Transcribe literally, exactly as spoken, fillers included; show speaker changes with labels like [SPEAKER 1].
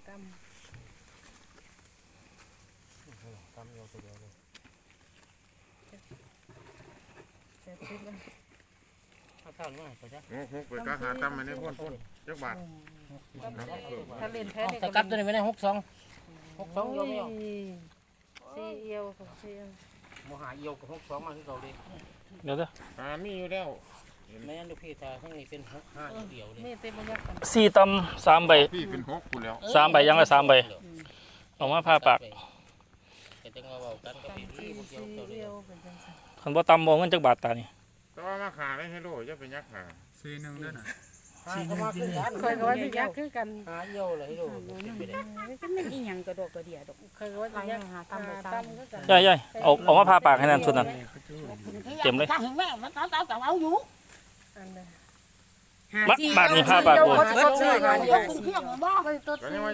[SPEAKER 1] ตั้ม
[SPEAKER 2] ตำเดียวตัวเดียวเลย
[SPEAKER 1] แปดสิบแล้ว
[SPEAKER 2] ถ้าข้าวนี่ไปจ้ะ
[SPEAKER 3] หกหกไปก็หาตำมาในพ่นพ่นจักบาท
[SPEAKER 1] ถ้าเล่นแพ้เนี่ย
[SPEAKER 2] สกัดตัวนี้ไม่ได้หกสองหกสองเอียวไม่เอา
[SPEAKER 1] สี่เอียวของสี่
[SPEAKER 2] โมหาเอียวกับหกสองมาที่เราเลย
[SPEAKER 4] เดี๋ยวเด้อ
[SPEAKER 3] หามีอยู่แล้ว
[SPEAKER 2] ไม่งั้นดูพี่ตาข้างนี้เป็นหกห้าเดียวเลย
[SPEAKER 1] นี่เต็มบรรยากาศ
[SPEAKER 4] สี่ตำสามใบ
[SPEAKER 3] พี่เป็นหกกูแล้ว
[SPEAKER 4] สามใบยังละสามใบออกมาผ่าปาก
[SPEAKER 2] แต่จังว่าเบากันก็เป็น
[SPEAKER 1] สี่
[SPEAKER 2] ที่พวกเดียว
[SPEAKER 1] สี่
[SPEAKER 2] เดียวเล
[SPEAKER 1] เอี
[SPEAKER 2] ย
[SPEAKER 1] ยวเป็นจังสัน
[SPEAKER 4] คันบ่ตำบ่เงินจักบาทตานี่
[SPEAKER 3] แต่ว่ามาขาได้ให้โลจะเป็นยักษ์ขา
[SPEAKER 5] สี่หนึ่งด้วยนะ
[SPEAKER 2] หาเข้ามาขึ้นกัน
[SPEAKER 1] เคยก็ว่าจะยากคือกัน
[SPEAKER 2] หาเอียวเลยให้ดูเป็นไปได้
[SPEAKER 6] ก็ไม่อีหยังกระโดดกระเดียดอก
[SPEAKER 1] เคยก็ว่าจะยากหาตั้มไปตั้มก็กัน
[SPEAKER 4] ย่ายๆเอาเอามาผ่าปากให้นั่นสุดนั่น เต็มเลย
[SPEAKER 6] ถ้าเห็นแม่มันเอาเอาเอาอยู่
[SPEAKER 1] อันนั้น
[SPEAKER 4] มาบาทนี้ผ่าปากบ่
[SPEAKER 6] ก็ซื้อกันยกเที่ยงบ่
[SPEAKER 1] ก็ตัว
[SPEAKER 3] ก็ยังว่า